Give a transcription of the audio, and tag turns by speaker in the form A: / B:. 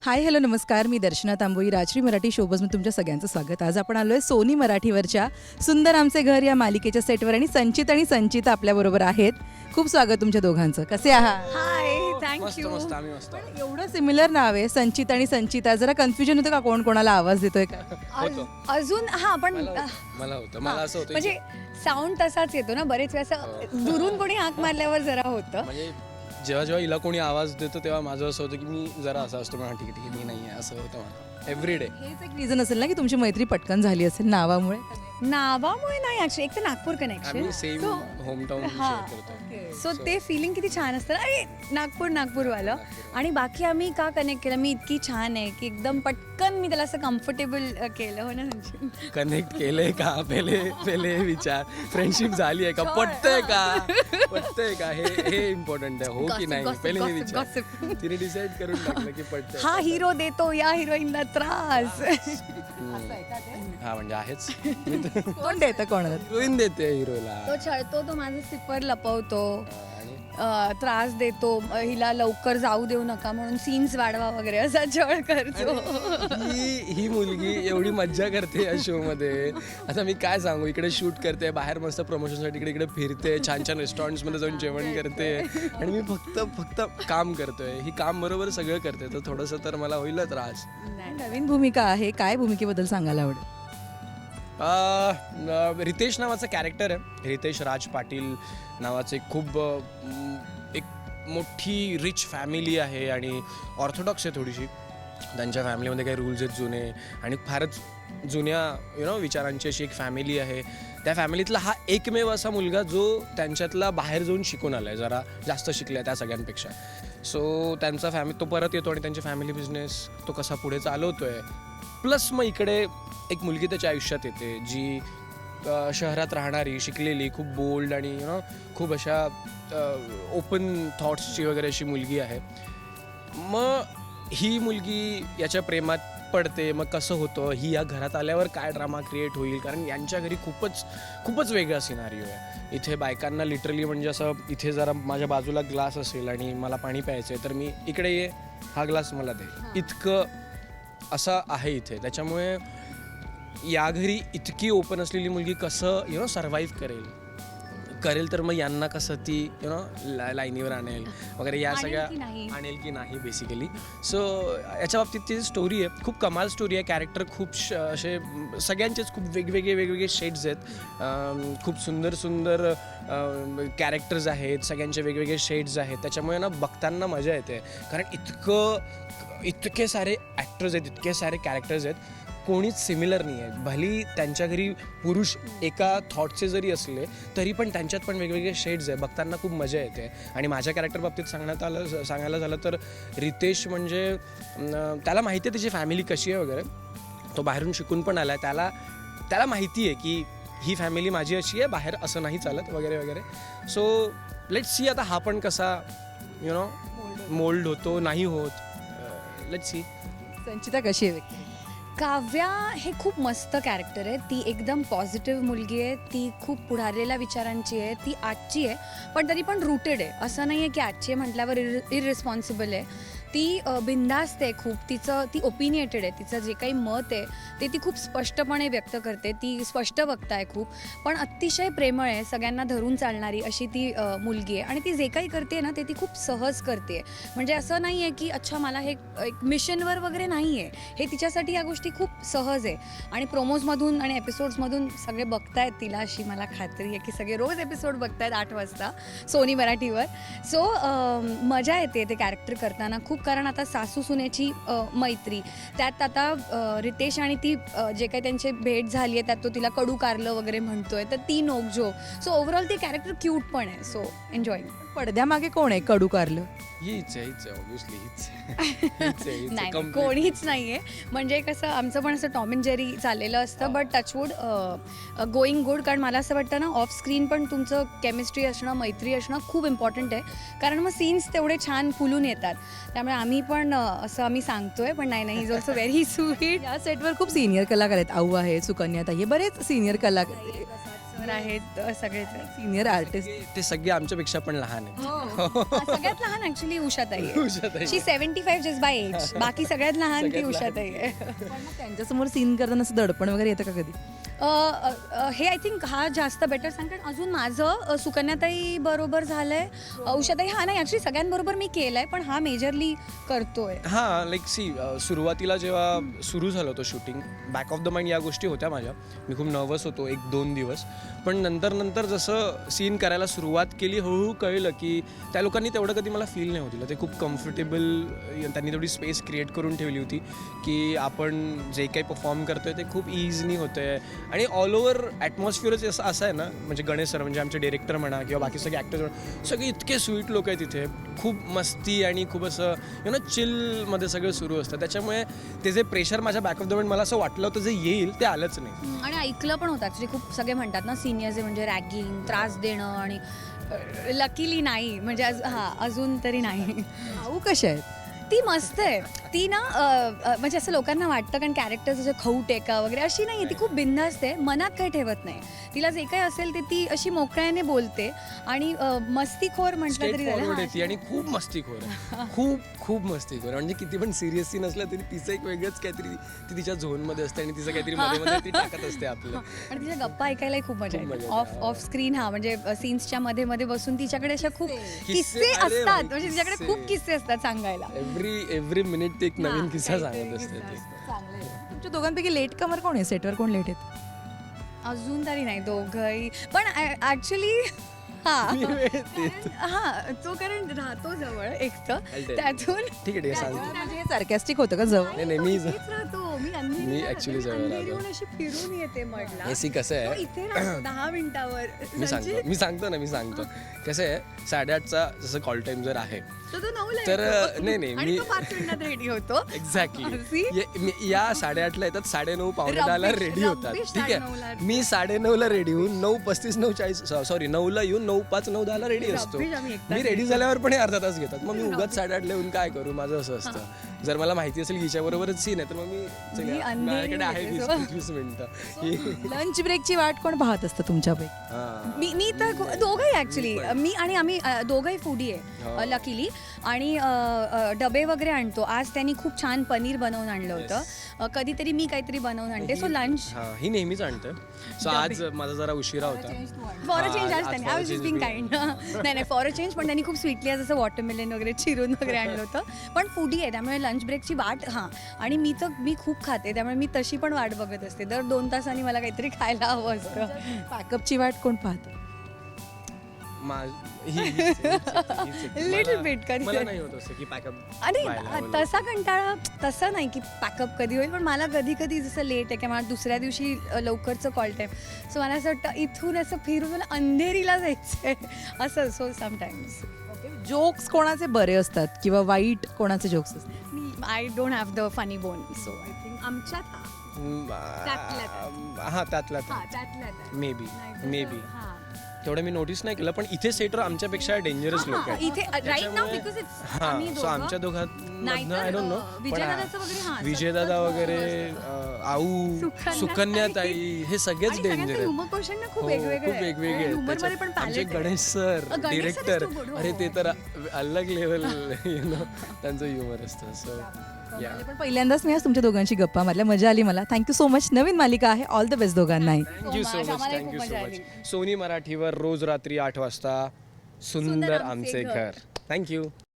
A: Hi hello नमस्कार, मी दर्शना तांबोई, राजश्री मराठी शोबजमध्ये तुमच्या सगळ्यांचं स्वागत. आज आपण आलो आहे सोनी मराठीवरच्या सुंदर आमचे घर या मालिकेच्या सेटवर आणि संचिता आपल्याबरोबर आहेत. खूप स्वागत तुमच्या दोघांचं. कसे आहात?
B: हाय,
C: मस्त
B: थँक्यू.
C: मस्त आम्ही मस्त
A: एवढं सिमिलर नाव आहे संचित आणि संचिता, जरा कन्फ्युजन होतं का कोण कोणाला आवाज देतोय का?
C: होतो.
B: अजून हा पण
C: मला होतं मला असं होतं
B: म्हणजे साऊंड तसाच येतो ना बरेच वेळा असं दुरून कोणी हाक मारल्यावर जरा होतं.
C: म्हणजे जेव्हा जेव्हा हिला कोणी आवाज देतो तेव्हा माझं असं होतं की मी जरा असं असतो म्हणा, ठीक आहे मी नाही आहे असं होतं मला एव्हरी डे.
A: हेच एक रिझन असेल ना की तुमची मैत्री पटकन झाली असेल नावामुळे.
B: नावामुळे नाही ऍक्च्युली, एक तर नागपूर कनेक्शन,
C: आम्ही सेम होमटाऊन
B: हा.
C: करतो.
B: सो ते फिलिंग किती छान असतं ना, अरे नागपूरवालं. आणि बाकी आम्ही का कनेक्ट केलं, मी इतकी छान आहे की एकदम पटकन मी त्याला असं कम्फर्टेबल केलं. हो ना संचित?
C: कनेक्ट केलंय का पहिले विचार, फ्रेंडशिप झाली आहे का, पटतंय का हे इम्पॉर्टंट आहे. हो की नाही
B: Gossip,
C: पहिले हे
B: gossip,
C: विचार.
B: gossip.
C: तिने डिसाईड करून टाकलं की पटतंय.
B: हा हिरो देतो या हिरोईनला त्रास.
C: हा म्हणजे आहेच.
A: कोण देतं कोणाला?
C: हिरोईन देते हिरोला
B: तो छळतो, तो माझं सिपर लपवतो,
C: आणि
B: त्रास देतो, हिला लवकर जाऊ देऊ नका म्हणून सीन्स वाढवा वगैरे असा छळ करतो.
C: ही मुलगी एवढी मज्जा करते या शो मध्ये. आता मी काय सांगू, इकडे शूट करते, बाहेर मस्त प्रमोशनसाठी इकडे इकडे फिरते, छान छान रेस्टॉरंट्स मध्ये जाऊन जेवण करते आणि मी फक्त काम करतोय. ही काम बरोबर सगळं करते, तर थोडंसं तर मला होईल त्रास.
A: नवीन भूमिका आहे, काय भूमिकेबद्दल सांगायला आवडेल?
C: रितेश नावाचं कॅरेक्टर आहे. रितेश राज पाटील नावाचे खूप एक मोठी रिच फॅमिली आहे आणि ऑर्थोडॉक्स आहे थोडीशी. त्यांच्या फॅमिलीमध्ये काही रूल्स आहेत जुने आणि फारच जुन्या विचारांची अशी एक फॅमिली आहे. त्या फॅमिलीतला हा एकमेव असा मुलगा जो त्यांच्यातला बाहेर जाऊन शिकून आला आहे, जरा जास्त शिकला आहे त्या सगळ्यांपेक्षा. सो त्यांचा तो परत येतो आणि त्यांची फॅमिली बिझनेस तो कसा पुढे चालवतो आहे. प्लस मग इकडे एक मुलगी त्याच्या आयुष्यात येते जी शहरात राहणारी, शिकलेली, खूप बोल्ड आणि खूप अशा ओपन थॉट्सची वगैरे अशी मुलगी आहे. मग ही मुलगी याच्या प्रेमात पडते. मग कसं होतं, ही या घरात आल्यावर काय ड्रामा क्रिएट होईल, कारण यांच्या घरी खूपच वेगळा सिनारिओ आहे. इथे बायकांना लिटरली म्हणजे असं, इथे जरा माझ्या बाजूला ग्लास असेल आणि मला पाणी प्यायचं आहे तर मी इकडे ये, हा ग्लास मला दे, इतकं असं आहे इथे. त्याच्यामुळे या घरी इतकी ओपन असलेली मुलगी कसं सर्व्हाइव्ह करेल तर मग यांना कसं ती लाईनीवर आणेल वगैरे, या सगळ्या आणेल की नाही बेसिकली. सो याच्या बाबतीत ती स्टोरी आहे, खूप कमाल स्टोरी आहे. कॅरेक्टर खूप असे सगळ्यांचेच खूप वेगवेगळे शेड्स आहेत. खूप सुंदर कॅरेक्टर्स आहेत, सगळ्यांचे वेगवेगळे शेड्स आहेत. त्याच्यामुळे बघताना मजा येते, कारण इतके सारे ॲक्टर्स आहेत, इतके सारे कॅरेक्टर्स आहेत, कोणीच सिमिलर नाही आहे. भली त्यांच्या घरी पुरुष एका थॉटचे जरी असले तरी पण त्यांच्यात पण वेगवेगळे शेड्स आहे. बघताना खूप मजा येते. आणि माझ्या कॅरेक्टर बाबतीत सांगायला झालं तर रितेश म्हणजे त्याला माहिती आहे त्याची फॅमिली कशी आहे वगैरे. तो बाहेरून शिकून पण आला आहे. त्याला माहिती आहे की ही फॅमिली माझी अशी आहे, बाहेर असं नाही चालत वगैरे. सो लेट्स सी आता हा पण कसा मोल्ड होतो, नाही होत. Let's see.
A: संचिता कशी आहे व्यक्ती?
B: काव्या हे खूप मस्त कॅरेक्टर आहे. ती एकदम पॉझिटिव्ह मुलगी आहे, ती खूप पुढारलेल्या विचारांची आहे, ती आजची आहे पण तरी पण रूटेड आहे. असं नाही आहे की आजची म्हटल्यावर इररिस्पॉन्सिबल आहे. ती बिनधास्त आहे खूप, ती ओपिनिएटेड आहे. तिचं जे काही मत आहे ते ती खूप स्पष्टपणे व्यक्त करते. ती स्पष्ट वक्ता आहे खूप, पण अतिशय प्रेमळ आहे, सगळ्यांना धरून चालणारी अशी ती मुलगी आहे. आणि ती जे काही करते ना ते ती खूप सहज करते. म्हणजे असं नाही आहे की अच्छा मला हे एक मिशनवर वगैरे नाही आहे, हे तिच्यासाठी या गोष्टी खूप सहज आहे. आणि प्रोमोजमधून आणि एपिसोड्समधून सगळे बघतायत तिला, अशी मला खात्री आहे की सगळे रोज एपिसोड बघतायत 8 वाजता सोनी मराठीवर. सो मजा येते ते कॅरेक्टर करताना खूप, कारण आता सासू सुनेची मैत्री, त्यात आता रितेश आणि ती जे काही त्यांची भेट झाली आहे त्यात तो तिला कडू कारलं वगैरे म्हणतोय, तर ती नोकझोक. सो ओव्हरऑल ती कॅरेक्टर क्यूट पण आहे. So enjoy.
A: पडद्यामागे कोण आहे कडू कारलं?
C: हीच आहे ऑब्व्हियसली, हीच
B: नाही कोणीच नाहीये. म्हणजे कसं आमचं पण असं टॉम अँड जेरी चाललेलं असतं, बट टचवूड गोईंग गुड. कारण मला असं वाटतं ना, ऑफ स्क्रीन पण तुमचं केमिस्ट्री असणं, मैत्री असणं खूप इम्पॉर्टंट आहे, कारण मग सीन्स तेवढे छान फुलून येतात. त्यामुळे आम्ही पण असं आम्ही सांगतोय, पण नाही इज ऑल्सो व्हेरी स्वीट.
A: या सेटवर खूप सिनियर कलाकार आहेत. आऊ आहे, सुकन्या ताई, बरेच सिनियर कलाकार.
B: आहेत सगळेच आहेत.
A: सिनियर आर्टिस्ट
C: ते सगळे आमच्यापेक्षा पण लहान आहेत.
B: सगळ्यात लहान ऍक्च्युली उषाताई आहे.
C: Ushatai.
B: She 75 just by age. बाकी सगळ्यात लहान ती उषाताई आहे.
A: त्यांच्यासमोर सीन करताना असं दडपण वगैरे येतं का कधी?
B: हे आय थिंक हा जास्त बेटर सांग, कारण अजून माझं सुकन्याताई बरोबर झालंय, उषाताई हा नाही ॲक्च्युली सगळ्यांबरोबर मी केलंय, पण हा मेजरली करतोय.
C: हां लाईक सुरुवातीला जेव्हा सुरू झालं होतं shooting, back of the mind या गोष्टी होत्या माझ्या. मी खूप नर्वस होतो 1-2 दिवस, पण नंतर जसं सीन करायला सुरुवात केली हळूहळू कळलं की त्या लोकांनी तेवढं कधी मला फील नाही होतं. ते खूप कम्फर्टेबल, त्यांनी तेवढी स्पेस क्रिएट करून ठेवली होती की आपण जे काही परफॉर्म करतोय ते खूप इझिली होतं आहे. आणि ऑल ओव्हर ॲटमॉस्फिअरच असं आहे ना, म्हणजे गणेश सर म्हणजे आमचे डिरेक्टर म्हणा किंवा बाकी सगळे ॲक्टर्स म्हणा, सगळे इतके स्वीट लोक आहेत तिथे. खूप मस्ती आणि खूप असं चिलमध्ये सगळं सुरू असतं. त्याच्यामुळे ते जे प्रेशर माझ्या बॅक ऑफ द माइंड मला असं वाटलं होतं जे येईल ते आलंच नाही.
B: आणि ऐकलं पण होतं ॲक्च्युली. खूप सगळे म्हणतात ना सिनियर्स म्हणजे रॅगिंग, त्रास देणं, आणि लकीली नाही, म्हणजे अजून तरी नाही.
A: भाऊ कशा आहेत?
B: ती मस्त आहे. ती ना म्हणजे असं लोकांना वाटतं कारण कॅरेक्टर जसं खाऊ टेका वगैरे अशी नाही, ती खूप बिंदास्त आहे, मनात काही ठेवत नाही. तिला जे काही असेल ते ती अशी मोकळ्याने बोलते आणि मस्तीखोर म्हटलं तरी
C: फॉरवर्ड
B: झालं.
C: येते आणि खूप मस्तीखोर आहे. खूप मस्तीखोर, म्हणजे किती पण सिरियसली नसलं तरी तिचं एक वेगळंच काहीतरी, ती तिच्या झोनमध्ये असते आणि तिचं काहीतरी मध्ये ती टाकत असते आपलं.
B: आणि तिच्या गप्पा ऐकायलाही खूप मजा
C: खूप
B: येते.
C: मजा येते.
B: ऑफ स्क्रीन म्हणजे सीन्सच्या मध्ये बसून तिच्याकडे अशा खूप
C: किस्से,
B: किस्से
C: अरे
B: असतात,
C: बाई,
B: म्हणजे तिच्याकडे
C: किस्से.
B: खूप किस्से असतात सांगायला.
C: एव्हरी मिनिट ते एक नवीन किस्सा
B: काहीतरी
C: सांगत असते
B: किस्सा
C: ती.
B: असतो. चांगलं आहे.
A: तुमच्या दोघांपैकी लेट कमर कोण आहे? सेटवर कोण लेट आहेत?
B: अजून तरी नाही दोघंही, पण ऍक्च्युली तो कारण राहतो जवळ एक तर त्यातून
C: ठीक आहे सांगतो.
A: म्हणजे हे सार्कॅस्टिक होतं का जवळ?
C: नाही मी
B: इथेच राहतो. मी
C: मी actually जवळ राहतो.
B: अंधेरीहून अशी फिरून येते म्हटलं.
C: एसी कसं
B: तो
C: आहे,
B: इथे राहतो 10 मिनिटावर.
C: मी सांगतो कसं आहे, 8:30चा जसं कॉल टाइम जर आहे
B: तो 9ला
C: तर
B: येतो.
C: नाही
B: आणि तो 5 मिनिटात रेडी होतो.
C: एक्झॅक्टली या 8:30ला येतात, 9:30 पावणे रेडी होतात.
B: रब्बिश
C: ठीक
B: 9:30
C: आहे, मी 9:30ला रेडी होऊन 9:35 9:40 सॉरी 9ला येऊन 9:05 9:10 रेडी असतो.
B: रब्बिश, आम्ही एक तास
C: मी रेडी झाल्यावर पण हे अर्धा तास घेतात. मग मी उगाच 8:30ला येऊन काय करू, माझं असं असतं. जर मला माहिती असेल हिच्याबरोबरच सीन आहे तर मग मी
B: मी अंधेरी
C: माझ्याकडे आहे
B: येते,
C: 20 मिनिटं.
A: लंच ब्रेकची वाट कोण पाहत असतं तुमच्यापैकी?
C: हां.
B: मी तर दोघंही ऍक्च्युली, मी आणि आम्ही दोघंही फूडी आहे लकीली, आणि डबे वगैरे आणतो. आज त्यांनी खूप छान पनीर बनवून आणलं होतं. कधीतरी मी काहीतरी बनवून आणते. सो लंच
C: हां, ही नेहमीच आणते. सो आज माझा जरा उशिरा होता.
B: फॉर अ चेंज
C: आज
B: आज त्यांनी,
C: for a
B: I was
C: change
B: being
C: we-
B: kind. नाही फॉर अ चेंज, पण त्यांनी खूप स्वीटली आज असं वॉटरमेलन वगैरे चिरून वगैरे आणलं होतं. पण फूडी आहे त्यामुळे लंच ब्रेकची वाट आणि मी खूप खाते त्यामुळे मी तशी पण वाट बघत असते. दर 2 तासांनी मला काहीतरी खायला हवं असतं.
A: पॅकअपची वाट कोण पाहतं?
B: Little bit कधी
C: मला नाही होत असं की पॅकअप.
B: आणि तसा कंटाळा तसा नाही की पॅकअप कधी होईल, पण मला कधी कधी जसं लेट आहे किंवा मला दुसऱ्या दिवशी लवकरचं कॉल टाईम, सो मला असं वाटतं इथून असं फिरून मला अंधेरीला जायचं आहे असं. सो समटाईम्स
A: जोक्स कोणाचे बरे असतात किंवा वाईट कोणाचे जोक्स असतात?
B: I don't have the funny bone, so I think आमच्यात त्यातल्यात
C: मे बी तेवढं मी नोटीस नाही केलं, पण इथे सेटर आमच्यापेक्षा डेंजरस लोक आहेत.
B: इथे राईट नाव बिकॉज इट्स आम्ही
C: सो आमच्या
B: दोघं
C: दोघांमधनं आय डोंट नो,
B: विजयदादाचं वगैरे हां,
C: विजयदादा
B: सतत,
C: वगैरे आऊ, सुकन्याताई हे सगळेच
B: आणि
C: डेंजर
B: सगळ्यांचे
C: आहेत.
B: humor quotient ना खूप
C: हो,
B: वेगवेगळे
C: खूप
B: आहे.
C: वेगवेगळे
B: आणि
C: आहेत.
B: humor मध्ये पण
C: त्याच्यात आमचे
B: palette आहे.
C: Ganesh sir
B: Ganesh sir is
C: director,
B: too good,
C: अरे
B: हो.
C: ते तर अलग लेवल त्यांचं ह्युमर असतं. सो या
A: पण पहिल्यांदाच मी आज तुमच्या दोघांशी गप्पा मारल्या, मजा आली मला. Thank you so much. नवीन मालिका आहे, ऑल द बेस्ट दोघांनाही.
C: Thank you so
B: much.
C: मच.
B: आम्हालाही
C: थँक्यू
B: खूप
C: सो
B: मजा
C: मच.
B: आली.
C: सोनी मराठीवर रोज रात्री 8 वाजता सुंदर आमचे घर. थँक्यू.